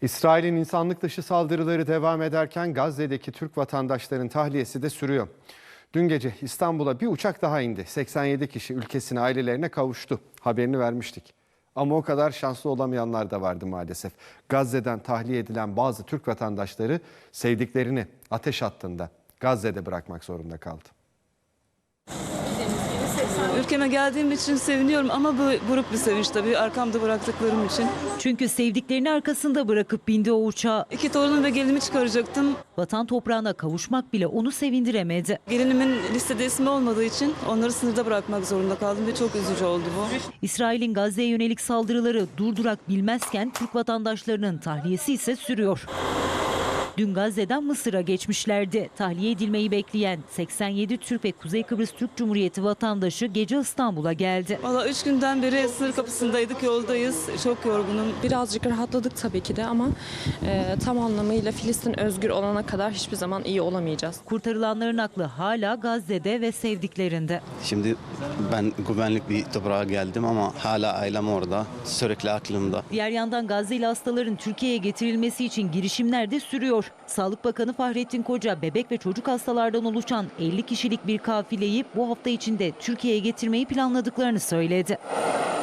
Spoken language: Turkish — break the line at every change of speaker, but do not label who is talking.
İsrail'in insanlık dışı saldırıları devam ederken Gazze'deki Türk vatandaşların tahliyesi de sürüyor. Dün gece İstanbul'a bir uçak daha indi. 87 kişi ülkesine, ailelerine kavuştu. Haberini vermiştik. Ama o kadar şanslı olamayanlar da vardı maalesef. Gazze'den tahliye edilen bazı Türk vatandaşları sevdiklerini ateş hattında Gazze'de bırakmak zorunda kaldı.
Ülkeme geldiğim için seviniyorum ama bu buruk bir sevinç tabii arkamda bıraktıklarım için.
Çünkü sevdiklerini arkasında bırakıp bindi o uçağa.
2 torunum ve gelinimi çıkaracaktım.
Vatan toprağına kavuşmak bile onu sevindiremedi.
Gelinimin listede ismi olmadığı için onları sınırda bırakmak zorunda kaldım ve çok üzücü oldu bu.
İsrail'in Gazze'ye yönelik saldırıları durdurak bilmezken Türk vatandaşlarının tahliyesi ise sürüyor. Dün Gazze'den Mısır'a geçmişlerdi. Tahliye edilmeyi bekleyen 87 Türk ve Kuzey Kıbrıs Türk Cumhuriyeti vatandaşı gece İstanbul'a geldi.
Valla 3 günden beri sınır kapısındaydık, yoldayız. Çok yorgunum.
Birazcık rahatladık tabii ki de ama tam anlamıyla Filistin özgür olana kadar hiçbir zaman iyi olamayacağız.
Kurtarılanların aklı hala Gazze'de ve sevdiklerinde.
Şimdi ben güvenlik bir toprağa geldim ama hala ailem orada. Sürekli aklımda.
Diğer yandan Gazze'li hastaların Türkiye'ye getirilmesi için girişimler de sürüyor. Sağlık Bakanı Fahrettin Koca, bebek ve çocuk hastalardan oluşan 50 kişilik bir kafileyi bu hafta içinde Türkiye'ye getirmeyi planladıklarını söyledi.